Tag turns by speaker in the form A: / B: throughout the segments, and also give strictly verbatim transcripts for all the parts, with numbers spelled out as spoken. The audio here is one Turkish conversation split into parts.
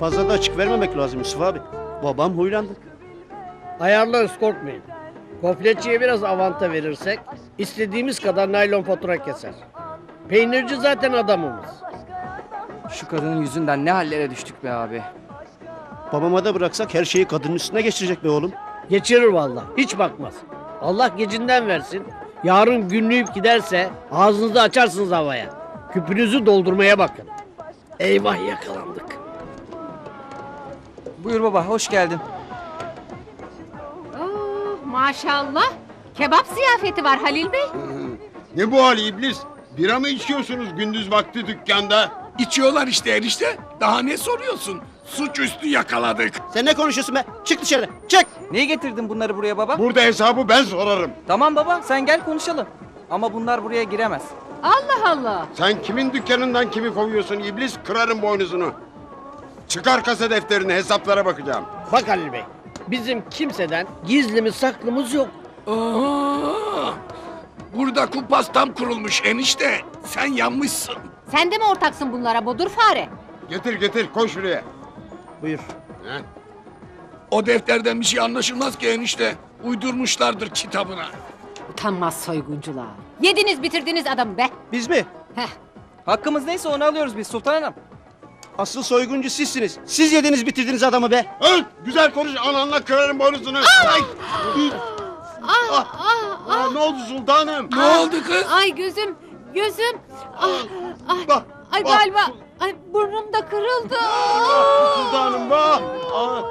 A: Fazla da açık vermemek lazım Yusuf abi. Babam huylandı.
B: Ayarlarız, korkmayın. Gofletçiye biraz avanta verirsek istediğimiz kadar naylon fatura keser. Peynirci zaten adamımız.
C: Şu kadının yüzünden ne hallere düştük be abi.
A: Babama da bıraksak her şeyi kadının üstüne geçirecek be oğlum.
B: Geçirir vallahi, hiç bakmaz. Allah gecinden versin. Yarın günlüyüp giderse ağzınızı açarsınız havaya. Küpünüzü doldurmaya bakın. Eyvah, yakalandık.
C: Buyur baba, hoş geldin.
D: Oh, maşallah. Kebap ziyafeti var Halil Bey.
E: Ne bu hal iblis? Bira mı içiyorsunuz gündüz vakti dükkanda?
F: İçiyorlar işte enişte. Daha ne soruyorsun? Suçüstü yakaladık.
A: Sen ne konuşuyorsun be? Çık dışarı. Çık.
C: Niye getirdin bunları buraya baba?
E: Burada hesabı ben sorarım.
C: Tamam baba, sen gel konuşalım. Ama bunlar buraya giremez.
D: Allah Allah.
E: Sen kimin dükkanından kimi kovuyorsun iblis? Kırarım boynuzunu. Çıkar kasa defterini, hesaplara bakacağım.
B: Bak Halil Bey, bizim kimseden gizlimiz saklımız yok.
F: Aa, burada kumpas tam kurulmuş enişte. Sen yanmışsın.
D: Sen de mi ortaksın bunlara bodur fare?
E: Getir getir, koy şuraya.
A: Buyur.
E: Heh.
F: O defterden bir şey anlaşılmaz ki enişte. Uydurmuşlardır kitabına.
D: Utanmaz soyguncular. Yediniz bitirdiniz adamı be.
A: Biz mi?
D: Heh.
C: Hakkımız neyse onu alıyoruz biz Sultan Hanım.
A: Asıl soyguncu sizsiniz. Siz yediniz bitirdiniz adamı be.
E: Öl! Güzel konuş, ananla kırarım boynuzunu. Ay! Ah! Aa, ne oldu sultanım?
F: Ne oldu kız?
D: Ay gözüm, gözüm. Ah, ay,
E: Bak,
D: ay
E: bak.
D: galiba, ay burnum da kırıldı.
E: Sultanım bak! Aa.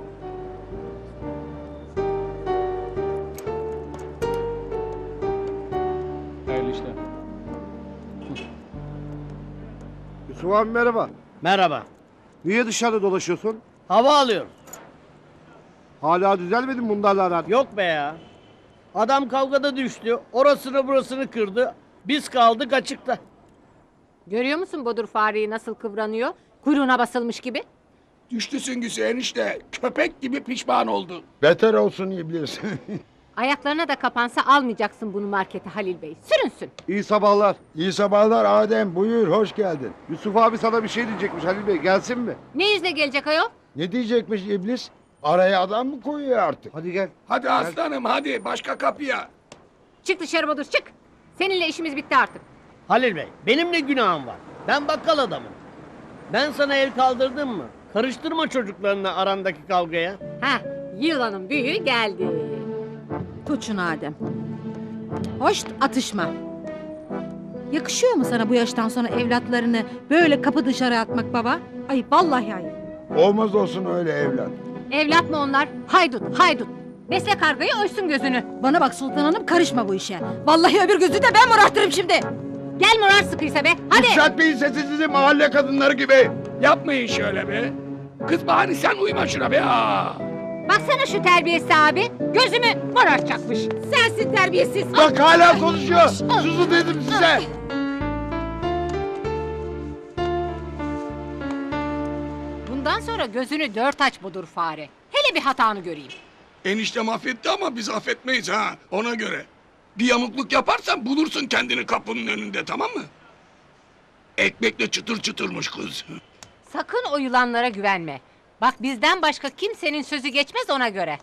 G: Yusuf abi merhaba.
B: Merhaba.
G: Niye dışarıda dolaşıyorsun?
B: Hava alıyorum.
G: Hala düzelmedi mi bunlarla aran?
B: Yok be ya. Adam kavgada düştü. Orasını burasını kırdı. Biz kaldık açıkta.
D: Görüyor musun bodur fareyi nasıl kıvranıyor? Kuyruğuna basılmış gibi.
F: Düştü süngüsü enişte. Köpek gibi pişman oldu.
E: Beter olsun iblis.
D: Ayaklarına da kapansa almayacaksın bunu markete Halil Bey. Sürünsün.
G: İyi sabahlar.
E: İyi sabahlar Adem, buyur, hoş geldin.
G: Yusuf abi sana bir şey diyecekmiş Halil Bey. Gelsin mi?
D: Ne yüzle gelecek ayol?
E: Ne diyecekmiş iblis? Araya adam mı koyuyor artık?
G: Hadi gel.
F: Hadi aslanım hadi başka kapıya.
D: Çık dışarı bodur çık. Seninle işimiz bitti artık.
B: Halil Bey, benim ne günahım var? Ben bakkal adamım. Ben sana el kaldırdım mı? Karıştırma çocuklarına arandaki kavgaya.
D: Heh, yılanın büyüğü geldi.
H: Tut şunu Adem. Hoş atışma. Yakışıyor mu sana bu yaştan sonra evlatlarını böyle kapı dışarı atmak baba? Ayıp vallahi ayıp.
E: Olmaz olsun öyle evlat.
D: Evlat mı onlar? Haydut, haydut. Besle kargayı ölsün gözünü.
H: Bana bak Sultan Hanım karışma bu işe. Vallahi öbür gözü de ben morartırım şimdi.
D: Gel morar sıkıysa be, hadi.
E: Yükseltmeyin sesinizi mahalle kadınları gibi.
F: Yapmayın şöyle be. Kız bari sen uyma şuna be. Aa.
D: Baksana şu terbiyesiz abi, gözümü morartacakmış. Sensin terbiyesiz.
E: Bak hala konuşuyor. Susun dedim size.
D: Bundan sonra gözünü dört aç budur fare. Hele bir hatanı göreyim.
F: Enişte affetti ama biz affetmeyiz ha ona göre. Bir yamukluk yaparsan bulursun kendini kapının önünde tamam mı? Ekmekle çıtır çıtırmış kız.
D: Sakın o yılanlara güvenme. Bak bizden başka kimsenin sözü geçmez ona göre.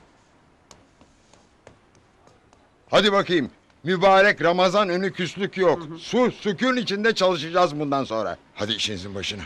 E: Hadi bakayım. Mübarek Ramazan önü küslük yok. Sus, sükun içinde çalışacağız bundan sonra. Hadi işinizin başına.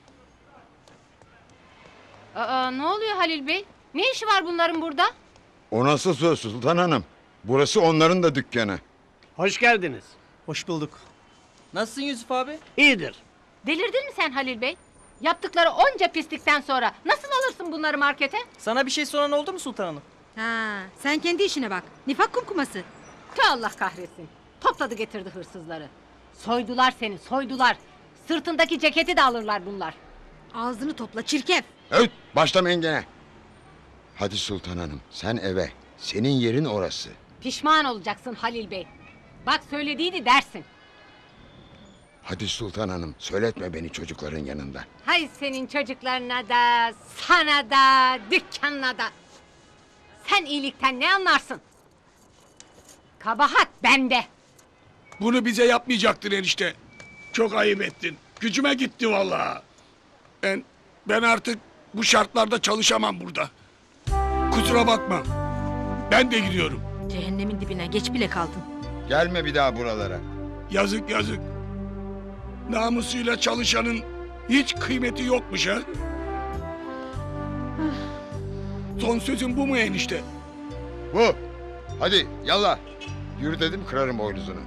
D: Aa, ne oluyor Halil Bey? Ne işi var bunların burada?
E: O nasıl söz Sultan Hanım? Burası onların da dükkanı.
B: Hoş geldiniz.
A: Hoş bulduk.
C: Nasılsın Yusuf abi?
B: İyidir.
D: Delirdin mi sen Halil Bey? Yaptıkları onca pislikten sonra nasıl alırsın bunları markete?
C: Sana bir şey soran oldu mu Sultan Hanım?
H: Ha, sen kendi işine bak. Nifak kumkuması.
D: Tüh Allah kahretsin. Topladı getirdi hırsızları. Soydular seni, soydular. Sırtındaki ceketi de alırlar bunlar.
H: Ağzını topla çirkef.
E: Evet, başlamayın gene. Hadi Sultan Hanım, sen eve. Senin yerin orası.
D: Pişman olacaksın Halil Bey. Bak söylediğini dersin.
E: Hadi Sultan Hanım, söyletme beni çocukların yanında.
D: Hay senin çocuklarına da, sana da, dükkanına da. Sen iyilikten ne anlarsın? Kabahat bende.
F: Bunu bize yapmayacaktın enişte. Çok ayıp ettin. Gücüme gitti vallahi. Ben ben artık Bu şartlarda çalışamam burada. Kusura bakma. Ben de gidiyorum.
H: Cehennemin dibine geç bile kaldın.
E: Gelme bir daha buralara.
F: Yazık yazık. Namusuyla çalışanın hiç kıymeti yokmuş ha. Son sözün bu mu enişte?
E: Bu. Hadi yallah. Yürü dedim kırarım boynuzunu.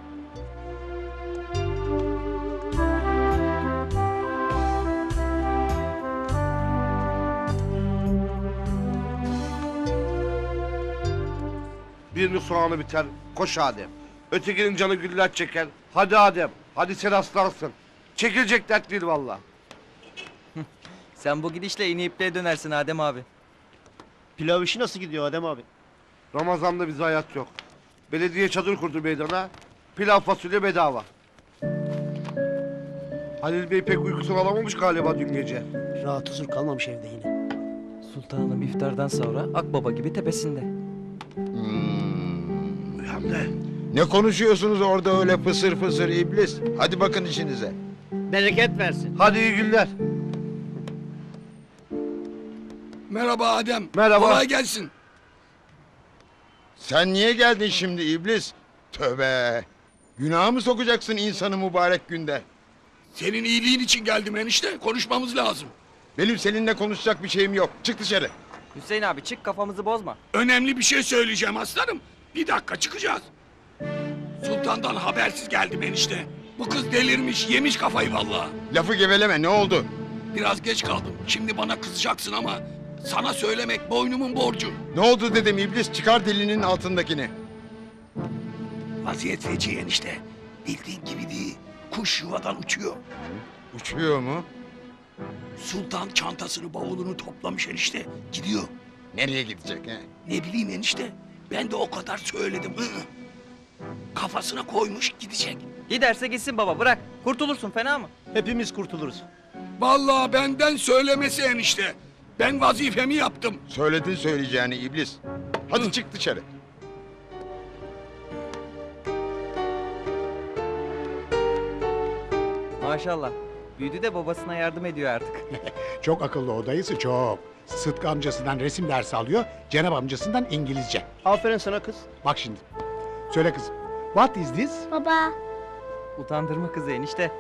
G: Birinin soğanı biter. Koş Adem. Ötekinin canı güller çeker. Hadi Adem. Hadi sen aslansın. Çekilecek dert değil valla.
C: Sen bu gidişle iğne ipliğe dönersin Adem abi.
A: Pilav işi nasıl gidiyor Adem abi?
G: Ramazan'da bize hayat yok. Belediye çadır kurdu meydana. Pilav fasulye bedava. Halil Bey pek uykusunu alamamış galiba dün gece.
A: Rahat huzur kalmamış evde yine.
C: Sultanım iftardan sonra Akbaba gibi tepesinde.
G: Hem de
E: Ne konuşuyorsunuz orada öyle fısır fısır iblis? Hadi bakın işinize.
B: Bereket versin.
G: hadi iyi günler.
F: Merhaba Adem.
G: Merhaba.
F: Kolay gelsin.
E: Sen niye geldin şimdi iblis? Tövbe. Günaha mı sokacaksın insanı mübarek günde?
F: Senin iyiliğin için geldim enişte. Konuşmamız lazım.
E: Benim seninle konuşacak bir şeyim yok. Çık dışarı.
C: Hüseyin abi çık kafamızı bozma.
F: Önemli bir şey söyleyeceğim aslanım. Bir dakika çıkacağız. Sultandan habersiz geldim enişte. Bu kız delirmiş, yemiş kafayı vallahi.
E: Lafı geveleme ne oldu?
F: Biraz geç kaldım. Şimdi bana kızacaksın ama sana söylemek boynumun borcu.
E: Ne oldu dedim iblis çıkar dilinin altındakini.
F: Vaziyet feci enişte. Bildiğin gibi değil. Kuş yuvadan uçuyor.
E: Uçuyor mu?
F: Sultan çantasını bavulunu toplamış enişte. Gidiyor.
E: Nereye gidecek he?
F: Ne bileyim enişte. Ben de o kadar söyledim. Hı. Kafasına koymuş gidecek.
C: Giderse gitsin baba bırak. Kurtulursun fena mı?
A: Hepimiz kurtuluruz.
F: Vallahi benden söylemesi enişte. Ben vazifemi yaptım.
E: Söyledin söyleyeceğini iblis. Hadi
F: Hı.
E: çık dışarı.
C: Maşallah. Büyüdü de babasına yardım ediyor artık.
I: Çok akıllı o dayısı çok. Sıtkı amcasından resim dersi alıyor, Cenab amcasından İngilizce.
A: Aferin sana kız.
I: Bak şimdi. Söyle kızım. What is this?
J: Baba,
C: Utandırma kızı enişte.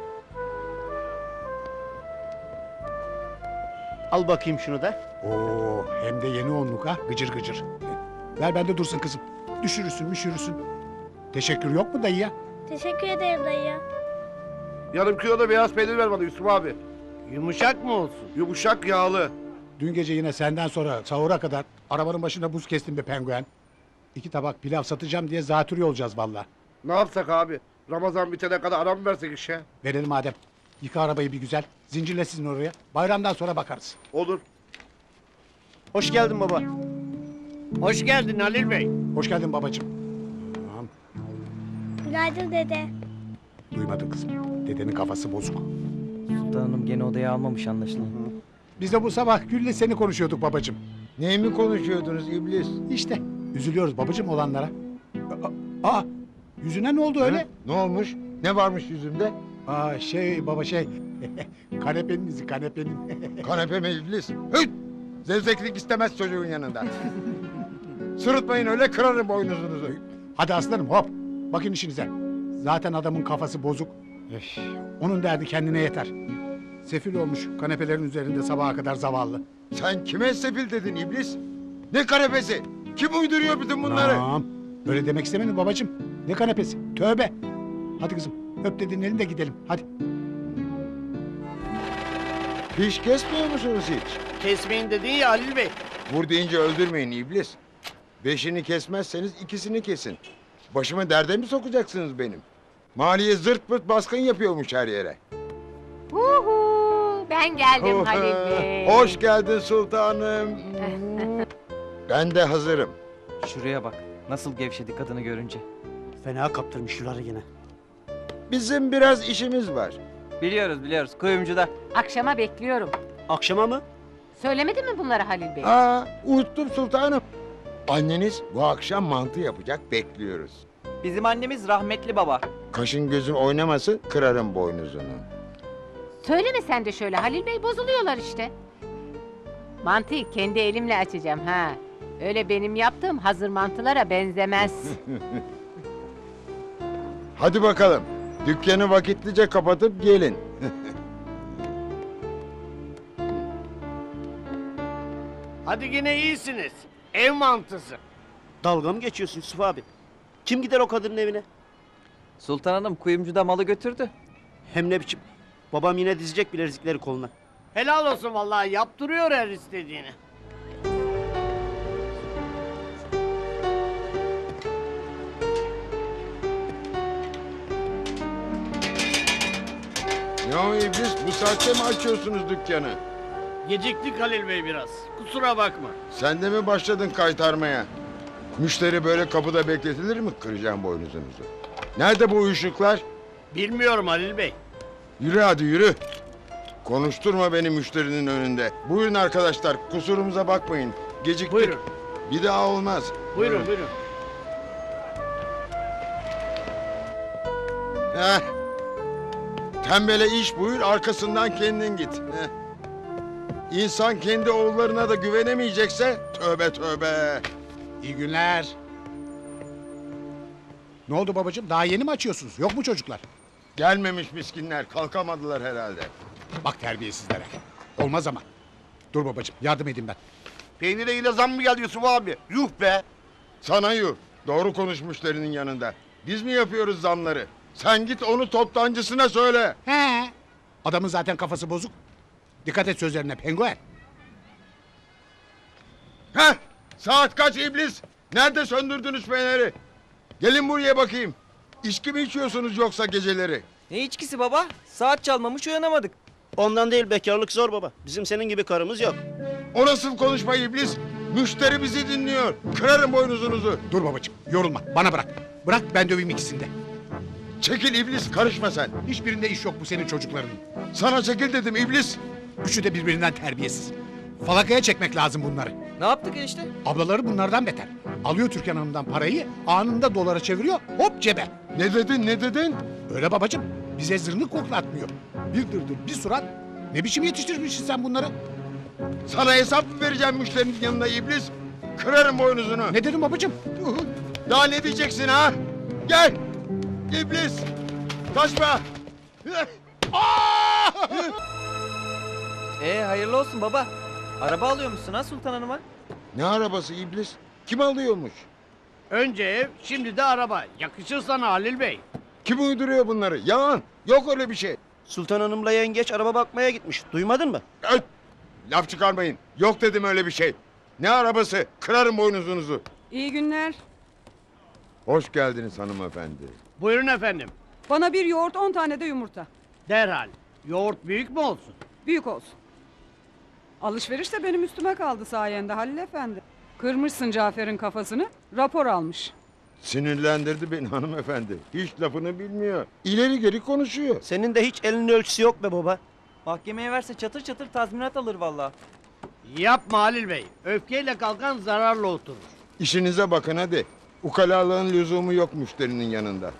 A: Al bakayım şunu da.
I: Oo, hem de yeni onluk ha, gıcır gıcır. Ver bende dursun kızım. Düşürürsün, müşürürsün. Teşekkür yok mu dayıya?
J: teşekkür ederim dayı.
G: Yarım kilo da beyaz peynir ver bana Yusuf abi.
B: Yumuşak mı olsun?
G: Yumuşak yağlı.
I: Dün gece yine senden sonra sahura kadar arabanın başında buz kestim be penguen. İki tabak pilav satacağım diye zatürre olacağız valla.
G: Ne yapsak abi? Ramazan bitene kadar ara mı versek işe?
I: Verelim madem. Yıka arabayı bir güzel. Zincirle sizin oraya. Bayramdan sonra bakarız.
G: Olur.
A: Hoş geldin baba.
B: Hoş geldin Halil Bey.
I: Hoş geldin babacığım. Tamam.
J: Günaydın dede.
I: Duymadın kızım. Dedenin kafası bozuk.
C: Sultanım gene odaya almamış anlaşılan.
I: Biz de bu sabah Gül'le seni konuşuyorduk babacığım.
E: Neyi mi konuşuyordunuz iblis?
I: İşte üzülüyoruz babacığım olanlara. Aa, aa, yüzüne ne oldu öyle?
E: Hı? Ne olmuş? Ne varmış yüzümde?
I: Aa şey baba şey. Kanepenin izi kanepenin.
E: Kanepe mi iblis? Hıt! Zevzeklik istemez çocuğun yanında. Sırıtmayın öyle kırarım boynuzunuzu.
I: Hadi aslanım hop. Bakın işinize. Zaten adamın kafası bozuk. Üf, onun derdi kendine yeter. Sefil olmuş kanepelerin üzerinde sabaha kadar zavallı.
E: Sen kime sefil dedin iblis? Ne kanepesi? Kim uyduruyor bütün bunları?
I: Tamam. Öyle demek istemedim babacığım. Ne kanepesi? Tövbe. Hadi kızım öp dedin elini de gidelim. Hadi.
E: Hiç kesmiyor musunuz hiç?
B: Kesmeyin dedin ya Halil Bey.
E: Vur deyince öldürmeyin iblis. Beşini kesmezseniz ikisini kesin. Başımı derde mi sokacaksınız benim? Maliye zırt pırt baskın yapıyormuş her yere.
D: Huhu, ben geldim Halil Bey.
E: Hoş geldin sultanım. Ben de hazırım.
C: Şuraya bak. Nasıl gevşedi kadını görünce.
A: Fena kaptırmış şuları yine.
E: Bizim biraz işimiz var.
C: Biliyoruz biliyoruz. Kuyumcuda.
D: Akşama bekliyorum.
A: Akşama mı?
D: Söylemedi mi bunları Halil Bey?
E: Aa, unuttum sultanım. Anneniz bu akşam mantı yapacak, bekliyoruz.
C: Bizim annemiz rahmetli baba.
E: Kaşın gözün oynamasın, kırarım boynuzunu.
D: Söyleme sen de şöyle Halil Bey, bozuluyorlar işte. Mantıyı kendi elimle açacağım ha. Öyle benim yaptığım hazır mantılara benzemez.
E: Hadi bakalım. Dükkanı vakitlice kapatıp gelin.
B: Hadi yine iyisiniz. Ev mantısı.
A: Dalga mı geçiyorsun Yusuf abi? Kim gider o kadının evine?
C: Sultan Hanım kuyumcuda malı götürdü.
A: Hem ne biçim? Babam yine dizecek bilezikleri koluna.
B: Helal olsun vallahi yaptırıyor her istediğini.
E: Ne o iblis? Bu saatte mi açıyorsunuz dükkanı?
B: Geciktik Halil Bey biraz. Kusura bakma.
E: Sen de mi başladın kaytarmaya? Müşteri böyle kapıda bekletilir mi? Kıracağım boynuzunuzu. Nerede bu uyuşuklar?
B: Bilmiyorum Halil Bey.
E: Yürü hadi yürü. Konuşturma beni müşterinin önünde. Buyurun arkadaşlar, kusurumuza bakmayın. Geciktik.
B: Buyurun.
E: Bir daha olmaz.
B: Buyurun buyurun.
E: Heh. Tembele iş buyur, arkasından kendin git. Heh. İnsan kendi oğullarına da güvenemeyecekse tövbe tövbe.
I: İyi günler. Ne oldu babacığım? Daha yeni mi açıyorsunuz? Yok mu çocuklar?
E: Gelmemiş miskinler, kalkamadılar herhalde.
I: Bak terbiyesizlere. Olmaz ama. Dur babacığım, yardım edeyim ben.
G: Peynire yine zam mı geldi Yusuf abi? Yuh be.
E: Sana yuh, doğru konuş müşterinin yanında. Biz mi yapıyoruz zamları? Sen git onu toptancısına söyle.
I: He. Adamın zaten kafası bozuk. Dikkat et sözlerine penguen.
E: Heh, saat kaç iblis? Nerede söndürdünüz feneri? Gelin buraya bakayım. İçki mi içiyorsunuz yoksa geceleri?
C: Ne içkisi baba? Saat çalmamış uyanamadık.
A: Ondan değil, bekarlık zor baba. Bizim senin gibi karımız yok.
E: O nasıl konuşma iblis? Müşteri bizi dinliyor. Kırarım boynuzunuzu.
I: Dur babacığım, yorulma. Bana bırak. Bırak ben döveyim ikisini de.
E: Çekil iblis, karışma sen.
I: Hiçbirinde iş yok bu senin çocuklarının.
E: Sana çekil dedim iblis.
I: Üçü de birbirinden terbiyesiz. Falakaya çekmek lazım bunları.
C: Ne yaptık enişte?
I: Ablaları bunlardan beter. Alıyor Türkan Hanım'dan parayı, anında dolara çeviriyor, hop cebe.
E: Ne dedin, ne dedin?
I: Öyle babacığım, bize zırnık koklatmıyor. Bir dırdır, bir surat. Ne biçim yetiştirmişsin sen bunları?
E: Sana hesap mı vereceğim müşterinin yanında iblis? Kırarım boynuzunu.
I: Ne dedim babacığım?
E: Daha ne diyeceksin ha? Gel. İblis. Kaçma.
C: Ee hayırlı olsun baba. Araba alıyormuşsun ha Sultan Hanım'a.
E: Ne arabası iblis? Kim alıyormuş?
B: Önce ev, şimdi de araba. Yakışır sana Halil Bey.
E: Kim uyduruyor bunları? Yalan. Yok öyle bir şey.
A: Sultan Hanım'la yengeç araba bakmaya gitmiş. Duymadın mı?
E: Öt! Laf çıkarmayın. Yok dedim öyle bir şey. Ne arabası? Kırarım boynuzunuzu.
K: İyi günler.
E: Hoş geldiniz hanımefendi.
B: Buyurun efendim.
K: Bana bir yoğurt, on tane de yumurta.
B: Derhal. Yoğurt büyük mü olsun?
K: Büyük olsun. Alışveriş de benim üstüme kaldı sayende Halil Efendi. Kırmışsın Cafer'in kafasını, rapor almış.
E: Sinirlendirdi beni hanımefendi. Hiç lafını bilmiyor. İleri geri konuşuyor.
A: Senin de hiç elinin ölçüsü yok be baba.
C: Mahkemeye verse çatır çatır tazminat alır vallahi.
B: Yapma Halil Bey. Öfkeyle kalkan zararla oturur.
E: İşinize bakın hadi. Ukalalığın lüzumu yok müşterinin yanında.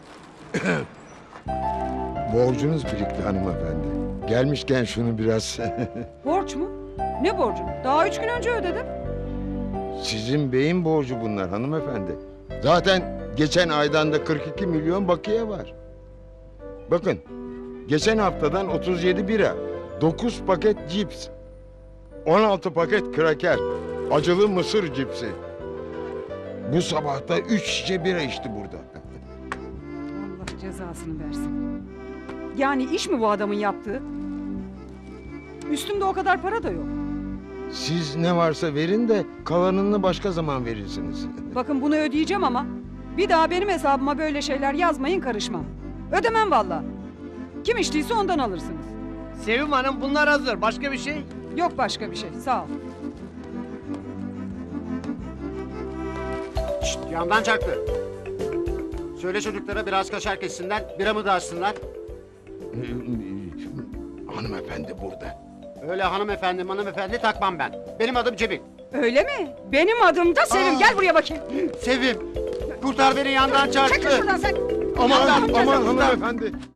E: Borcunuz birikti hanımefendi. Gelmişken şunu biraz...
K: Borç mu? Ne borcu? Daha üç gün önce ödedim.
E: Sizin beyin borcu bunlar hanımefendi. Zaten geçen aydan da kırk iki milyon bakiye var. Bakın, geçen haftadan otuz yedi bira, dokuz paket cips, on altı paket kraker, acılı mısır cipsi. Bu sabah da üç şişe bira içti burada.
K: Allah cezasını versin. Yani iş mi bu adamın yaptığı? Üstümde o kadar para da yok.
E: Siz ne varsa verin de kalanını başka zaman verirsiniz.
K: Bakın bunu ödeyeceğim ama bir daha benim hesabıma böyle şeyler yazmayın, karışmam. Ödemem vallahi. Kim içtiyse ondan alırsınız.
B: Sevim Hanım bunlar hazır. Başka bir şey?
K: Yok başka bir şey, sağ ol.
A: Şşt, yandan çaktı. Söyle çocuklara biraz kaşar kessinler, biramı da açsınlar.
E: Hanımefendi burada.
A: Öyle hanımefendi hanımefendi takmam ben. Benim adım Cemil.
K: Öyle mi? Benim adım da Sevim.
A: Aa.
K: Gel buraya bakayım.
A: Sevim, kurtar beni yandan çarptı.
K: Çekil şuradan sen.
E: Aman
K: Allah'ım
E: aman
K: cezası.
E: hanımefendi.